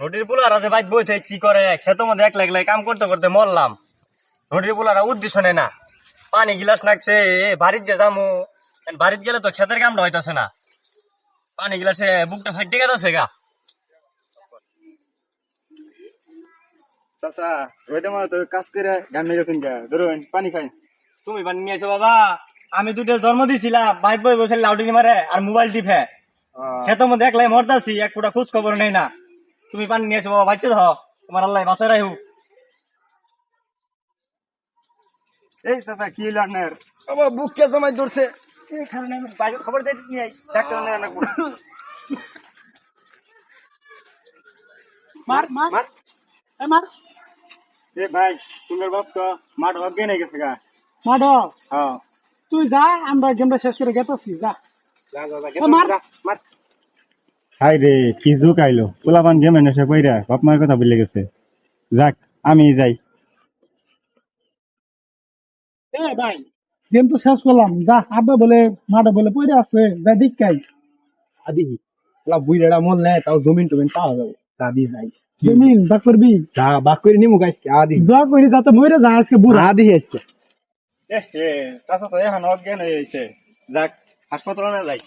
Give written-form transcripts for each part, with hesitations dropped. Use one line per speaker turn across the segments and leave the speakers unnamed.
নদীর পুলারা যে বাইক বইছে কি করে খেতের মধ্যে এক লাগলে কাম করতে করতে মরলাম। নদীর পুলারা উদ্দেশ্য নেই না, পানি গিলাস নাকছে বাড়ির যে যামু, বাড়িত গেলে তো খেতের কামটা হইতাছে না, পানি গিলাসে বুকটা ফাইটে গেছে গা।
চাচা ওইটা মনে তো কাজ করে গামে গেছেন গা, ধরুন পানি খাই।
তুমি পানি নিয়েছো বাবা, আমি দুটো জন্ম দিছিলাম বাইক বই বসে লাউডিং মারে আর মোবাইল টিপে খেতের মধ্যে একলাই মরতাছি, এক ফুটা খোঁজ খবর নেই না। তুমি পানি নিয়েছো বাবা, বাচ্চা ধ, তোমার আল্লাহ বাঁচাই রাখু।
এই চাচা কি হইলো আপনার? বাবা বুক কে জমাই ধরছে, এই কারণে আমি বাইরে খবর দিয়ে নিয়ে আই, ডাক্তার না না
মার মার
মার।
এ মার
এ ভাই তোমার বাপ তো মাঠ অজ্ঞান হয়ে গেছে গা।
মাড
হ্যাঁ
তুই যা, আমরা গেমটা শেষ করে গেতাছি যা। মার।
হাই রে কি যুগ আইলো, পোলাপান গেমে নেশা কইরা বাপ মায়ের কথা ভুলে গেছে। যাক আমি যাই।
এ ভাই গেম তো শেষ করলাম, যা। আব্বা বলে মাডা বলে পড়ে আছে, যা দীক্ষাই
আদি বুইড়া মন নেয় তাও জমিন টমিন পাওয়া যাবে, দাবি যাই
জমিন যা করবি,
যা বাক করে নিমু গাছ আদি
যা করি যাতে মরে যা আজকে বুড়া।
আদি আজকে
এ চাচা তো এখন অজ্ঞান হয়ে গেছে, যাক হাসপাতালে না যাই।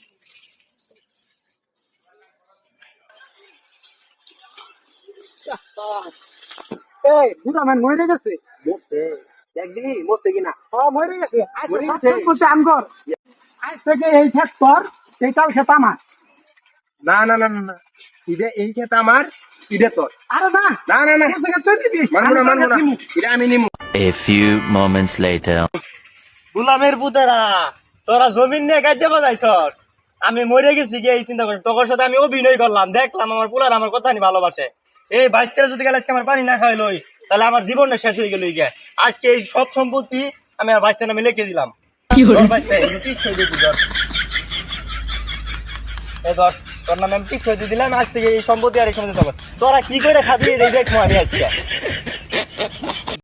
এই বুড়া মান মরে গেছে।
একদিনই মরতে কিনা
ও মরে গেছে। আজ
মরে গেছে?
সব করতে আমগর, আজ থেকে এই ক্ষেত তোর, এইটাও ক্ষেত আমার।
না না না না ইদে এই খেত আমার, ইদে তোর।
আরে না
না না না
এই জায়গা তুই দিবি,
মানবো না
আমি
মানবো না,
দিমু।
এটা আমি নিমু।
A few moments later.
গুলামের পুতেরা তোরা জমিন নিয়ে কাজে বাজাইছ, আমি মরে গেছি গিয়ে এই চিন্তা করি তোর সাথে আমি অভিনয় করলাম, দেখলাম আমার পুলার আমার কথা নি ভালোবাসে। এই 22 যদি গেলে আজকে আমার পানি না খাইলই তাহলে আমার জীবনটা শেষ হয়ে গেল গিয়ে। আজকে এই সব সম্পত্তি আমি আর 22 নামে লিখে দিলাম। তোর নামে আমি টিকসই দিয়ে দিলাম, আজ থেকে এই সম্পত্তি আর এই সম্পত্তি তোরা কি করে খাবি এই দেখবো আমি আজকে।